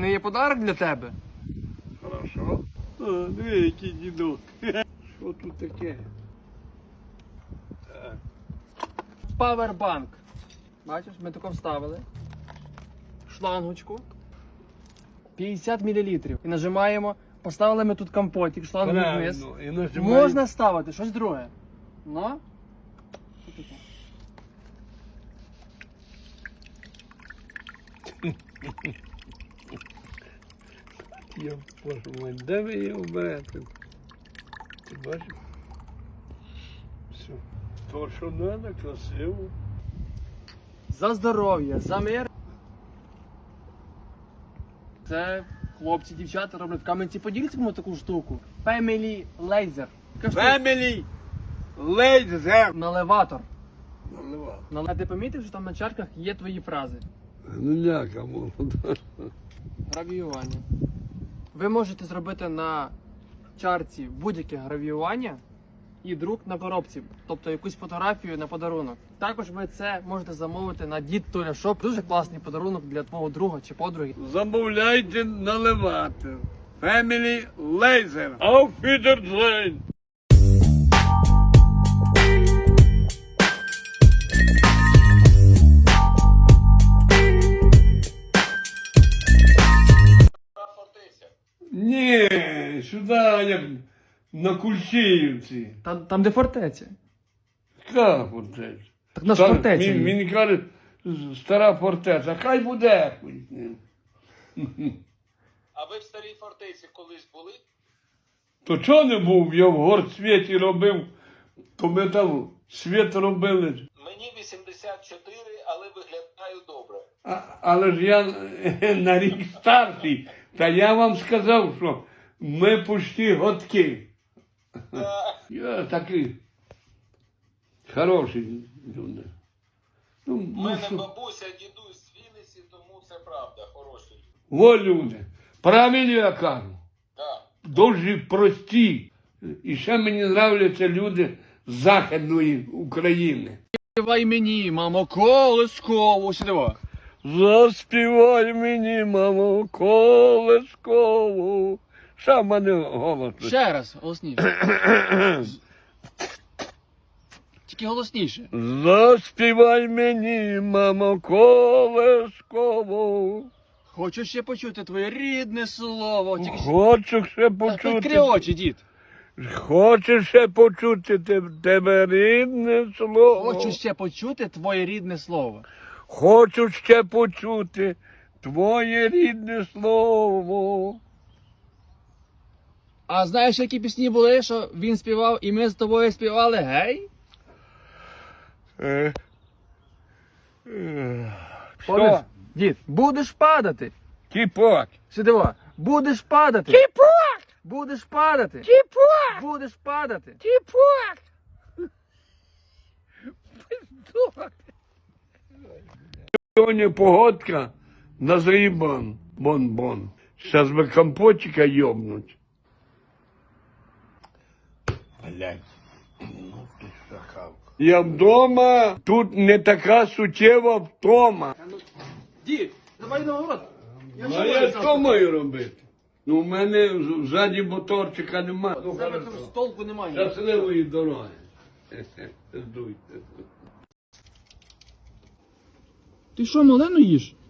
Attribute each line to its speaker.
Speaker 1: мене є подарок для тебе.
Speaker 2: Хорошо. О, диви, який дідок. Що тут таке? Так.
Speaker 1: Павербанк. Бачиш, ми тако вставили. Шлангочку. 50 мл. І нажимаємо. Поставили ми тут компотик, шлангу вниз.
Speaker 2: Правильно. І нажимаємо.
Speaker 1: Можна ставити щось друге. Ну? Що таке?
Speaker 2: Я боже мой, де ви його берете? Ти бачиш? Все. То, що треба, красиво.
Speaker 1: За здоров'я, за мир. Це хлопці, дівчата роблять в Кам'янці-Подільському таку штуку. Family Laser. Така штука.
Speaker 2: Family Laser.
Speaker 1: Наливатор.
Speaker 2: Наливав.
Speaker 1: А ти помітив, що там на чарках є твої фрази?
Speaker 2: Ну ляка молода.
Speaker 1: Гравіювання. Ви можете зробити на чарці будь-яке гравіювання і друк на коробці, тобто якусь фотографію на подарунок. Також ви це можете замовити на Дід Толя Шоп. Дуже класний подарунок для твого друга чи подруги.
Speaker 2: Замовляйте наливати. Family Laser. Auf Wiedersehen. Ні, сюди, як на Кульчиївці.
Speaker 1: Там де фортеця.
Speaker 2: Яка фортеця?
Speaker 1: Так наш
Speaker 2: Та,
Speaker 1: фортеця.
Speaker 2: Він каже, стара фортеця, хай буде. Хуй з ним.
Speaker 3: А ви в старій фортеці колись були?
Speaker 2: То чого не був? Я в горсвіті робив, то ми там світ робили.
Speaker 3: Мені 84, але виглядаю добре.
Speaker 2: Але ж я на рік старший, та я вам сказав, що ми почти годки. Я такий хороший люди.
Speaker 3: У мене бабуся, дідусь з Вінниці, тому це правда, хороші.
Speaker 2: Во люди, правильно я кажу.
Speaker 3: Так.
Speaker 2: Дуже прості. І ще мені нравляться люди з Західної України.
Speaker 1: Співай мені, мамо, колискову. Сюди.
Speaker 2: Заспівай мені, мамо, колискову. Що в мене голос?
Speaker 1: Ще раз, голосніше. Тільки голосніше.
Speaker 2: Заспівай мені, мамо, колискову.
Speaker 1: Хочу ще почути твоє рідне слово. Тільки
Speaker 2: Хочу ще
Speaker 1: Відкрий
Speaker 2: почути.
Speaker 1: очі, дід.
Speaker 2: Хочу ще почути тебе рідне слово.
Speaker 1: Хочу ще почути твоє рідне слово.
Speaker 2: Хочу ще почути твоє рідне слово.
Speaker 1: А знаєш, які пісні були, що він співав, і ми з тобою співали, гей? Помниш?
Speaker 2: Що?
Speaker 1: Дід, будеш падати.
Speaker 2: Кіпок.
Speaker 1: Сюди во. Будеш падати.
Speaker 2: Кіпок!
Speaker 1: Будеш падати.
Speaker 2: Кіпок!
Speaker 1: Будеш падати.
Speaker 2: Кіпок! Сьогодні погодка на зрібан. Бон-бон. Зараз би компотика йобнуть. Блядь. Ну ти шахавка. Я вдома, тут не така суттєва втома.
Speaker 1: Дід, давай на город.
Speaker 2: А я що маю робити? Ну, в мене ззаді моторчика немає. Ну,
Speaker 1: Тебе
Speaker 2: хорошо.
Speaker 1: там столку немає.
Speaker 2: Щасливої дороги. Здуйте.
Speaker 1: Ти що, малену їш?